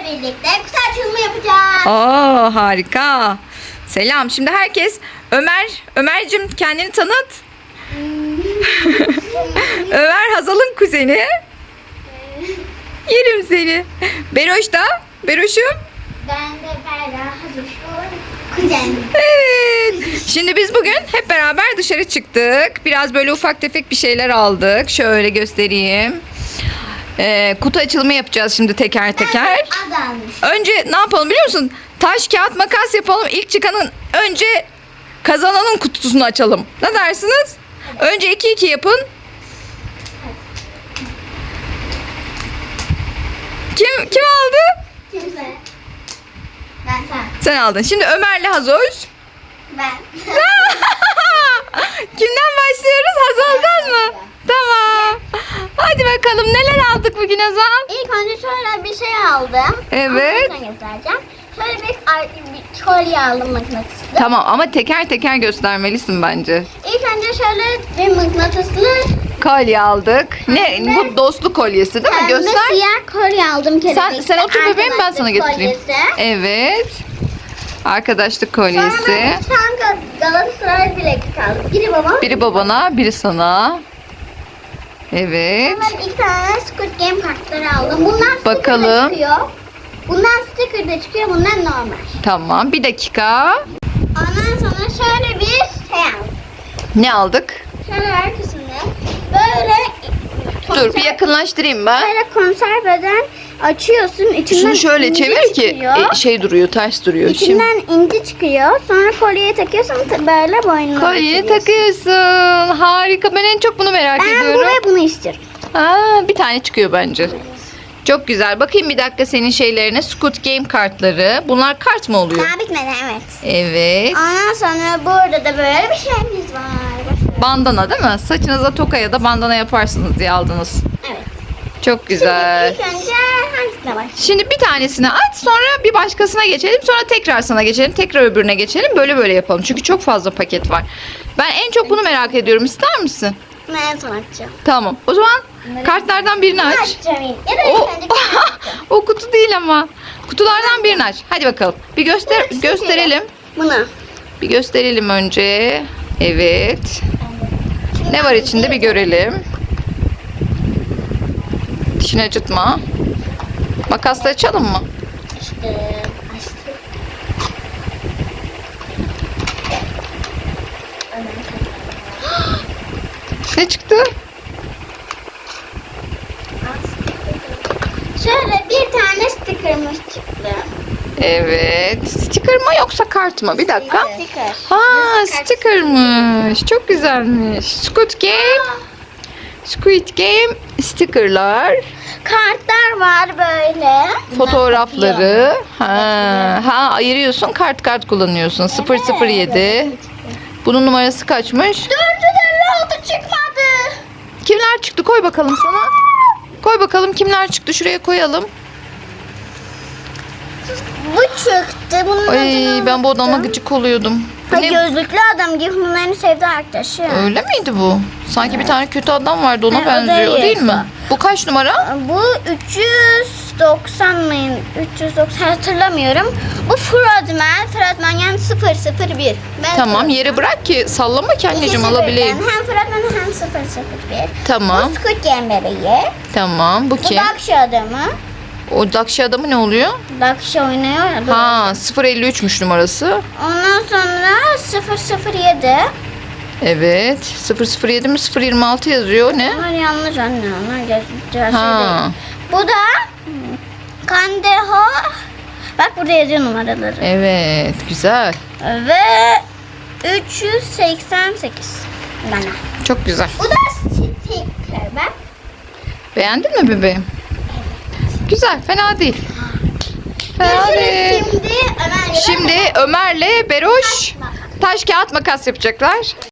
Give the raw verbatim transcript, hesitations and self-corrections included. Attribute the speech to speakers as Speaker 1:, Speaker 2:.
Speaker 1: birlikte kutu açılımı yapacağız.
Speaker 2: Oo, harika. Selam. Şimdi herkes Ömer, Ömer'cim kendini tanıt. Ömer Hazal'ın kuzeni. Yerim seni. Beroş da. Beroş'um.
Speaker 1: Ben de Berra Hazır. Kuzenim.
Speaker 2: Evet. Şimdi biz bugün hep beraber dışarı çıktık. Biraz böyle ufak tefek bir şeyler aldık. Şöyle göstereyim. Ee, kutu açılımı yapacağız şimdi teker teker.
Speaker 1: Az almış.
Speaker 2: Önce ne yapalım biliyor musun? Taş, kağıt, makas yapalım. İlk çıkanın önce kazananın kutusunu açalım. Ne dersiniz? Önce iki iki yapın. Kim kim aldı?
Speaker 1: Kimse. Ben sen.
Speaker 2: Sen aldın. Şimdi Ömer'le Hazoş.
Speaker 1: Ben.
Speaker 2: Kimden başlıyoruz? Hazal'dan mı? Tamam. Hadi bakalım neler aldık bugün Hazal?
Speaker 1: İlk önce şöyle bir şey aldım.
Speaker 2: Evet.
Speaker 1: Ondan sonra göstereceğim. Şöyle bir, bir kolye aldım mıknatıslı.
Speaker 2: Tamam ama teker teker göstermelisin bence.
Speaker 1: İlk önce şöyle bir mıknatıslı
Speaker 2: Kolye aldık. Ne?
Speaker 1: Pembe.
Speaker 2: Bu dostluk kolyesi değil mi?
Speaker 1: pembe
Speaker 2: Göster.
Speaker 1: siyah kolye aldım.
Speaker 2: Sen,
Speaker 1: kelebekli.
Speaker 2: sen otur bebeğim ben sana
Speaker 1: Arkadaşlık
Speaker 2: getireyim.
Speaker 1: kolyesi.
Speaker 2: Evet. Arkadaşlık
Speaker 1: Sonra
Speaker 2: kolyesi.
Speaker 1: ben iki tane Gal- Galatasaray bileklik aldım. Biri babam.
Speaker 2: Biri babana, biri sana. Evet.
Speaker 1: Ben iki tane Squid Game kartları aldım. Bundan sticker
Speaker 2: Bakalım.
Speaker 1: da çıkıyor. Bundan sticker de çıkıyor. Bundan normal.
Speaker 2: Tamam. Bir dakika.
Speaker 1: Ondan sonra şöyle bir şey aldım.
Speaker 2: Ne aldık?
Speaker 1: Şöyle arkasında böyle
Speaker 2: Dur bir yakınlaştırayım ben.
Speaker 1: Böyle konserveden açıyorsun. İçinden
Speaker 2: Şunu şöyle
Speaker 1: inci
Speaker 2: çevir ki
Speaker 1: çıkıyor.
Speaker 2: e, şey duruyor, ters duruyor. Şimdi
Speaker 1: İçinden inci çıkıyor. Sonra kolyeye takıyorsun. ta- Böyle boynuna
Speaker 2: kolyeyi
Speaker 1: takıyorsun.
Speaker 2: takıyorsun. Harika. Ben en çok bunu merak
Speaker 1: Ben
Speaker 2: ediyorum.
Speaker 1: bu ve bunu istiyorum.
Speaker 2: Aa, bir tane çıkıyor bence. Çok güzel. Bakayım bir dakika senin şeylerine. Squid Game kartları. Bunlar kart mı oluyor?
Speaker 1: Daha bitmedi evet.
Speaker 2: Evet.
Speaker 1: Ondan sonra burada da böyle bir şeyimiz var. Bakın.
Speaker 2: Bandana değil mi? Saçınıza toka ya da bandana yaparsınız diye aldınız.
Speaker 1: Evet.
Speaker 2: Çok güzel.
Speaker 1: Şimdi ilk önce hangisine başlayalım?
Speaker 2: Şimdi bir tanesini aç, sonra bir başkasına geçelim, sonra tekrar sana geçelim, tekrar öbürüne geçelim. Böyle böyle yapalım. Çünkü çok fazla paket var. Ben en çok bunu merak ediyorum. İster misin?
Speaker 1: Ben en son açacağım.
Speaker 2: Tamam. O zaman kartlardan birini
Speaker 1: Bunu
Speaker 2: aç.
Speaker 1: açacağım ilk. Ya da
Speaker 2: O,
Speaker 1: ilk önce bunu açacağım.
Speaker 2: o kutu değil ama. Kutulardan birini aç. Hadi bakalım. Bir göster
Speaker 1: Bunu
Speaker 2: gösterelim.
Speaker 1: Bunu.
Speaker 2: Bir gösterelim önce. Evet. Ne var içinde bir görelim. Dişini acıtma. Makasla açalım mı?
Speaker 1: İşte açtım.
Speaker 2: Ne çıktı?
Speaker 1: Şöyle bir tane sticker'ımız çıktı.
Speaker 2: Evet. Sticker mı yoksa kart mı? Bir dakika.
Speaker 1: Sticker.
Speaker 2: Ha, stickermış. Çok güzelmiş. Squid Game. Squid Game stickerlar.
Speaker 1: Kartlar var böyle.
Speaker 2: Fotoğrafları. Ha, ha ayırıyorsun. Kart kart kullanıyorsun. sıfır sıfır yedi. Bunun numarası kaçmış?
Speaker 1: dört yüz elli altı çıkmadı.
Speaker 2: Kimler çıktı? Koy bakalım sana. Koy bakalım kimler çıktı. Şuraya koyalım.
Speaker 1: Bu çıktı. Bunun
Speaker 2: Ay
Speaker 1: adını
Speaker 2: ben bu adama
Speaker 1: unuttum.
Speaker 2: gıcık oluyordum. Bu
Speaker 1: Ha,
Speaker 2: ne?
Speaker 1: gözlüklü adam gibi bunların sevdiği arkadaşı.
Speaker 2: Öyle miydi bu? Sanki bir tane kötü adam vardı ona
Speaker 1: Ha, o
Speaker 2: benziyor
Speaker 1: değil.
Speaker 2: değil mi? Bu kaç numara?
Speaker 1: Bu üç yüz doksan mı? üç yüz doksan hatırlamıyorum. Bu Frodman. Frodman yani sıfır sıfır bir. Ben
Speaker 2: Tamam
Speaker 1: Frodman.
Speaker 2: yere bırak ki sallama ki anneciğim
Speaker 1: İkisi
Speaker 2: alabileyim.
Speaker 1: birden. Hem Frodman hem sıfır sıfır bir.
Speaker 2: Tamam
Speaker 1: Bu Squid Game bebeği.
Speaker 2: tamam bu
Speaker 1: Bu
Speaker 2: kim?
Speaker 1: Dakşi adamı.
Speaker 2: O Dakşi adamı ne oluyor?
Speaker 1: Dakşi oynuyor ya.
Speaker 2: Ha sıfır elli üçmüş numarası.
Speaker 1: Ondan sonra sıfır sıfır yedi.
Speaker 2: Evet sıfır sıfır yedi mi sıfır yirmi altı yazıyor ne?
Speaker 1: Onlar yanlış anne. Onlar gerçek
Speaker 2: Ha.
Speaker 1: değil. Bu da Kandeho. Bak burada yazıyor numaraları.
Speaker 2: Evet güzel.
Speaker 1: Ve üç yüz seksen sekiz bana.
Speaker 2: Çok güzel.
Speaker 1: Bu da sticker bak.
Speaker 2: Beğendin mi bebeğim? Güzel fena değil. Fena değil.
Speaker 1: Görüşürüz şimdi Ömer'le.
Speaker 2: Şimdi Ömer'le Beroş taş kağıt makas yapacaklar.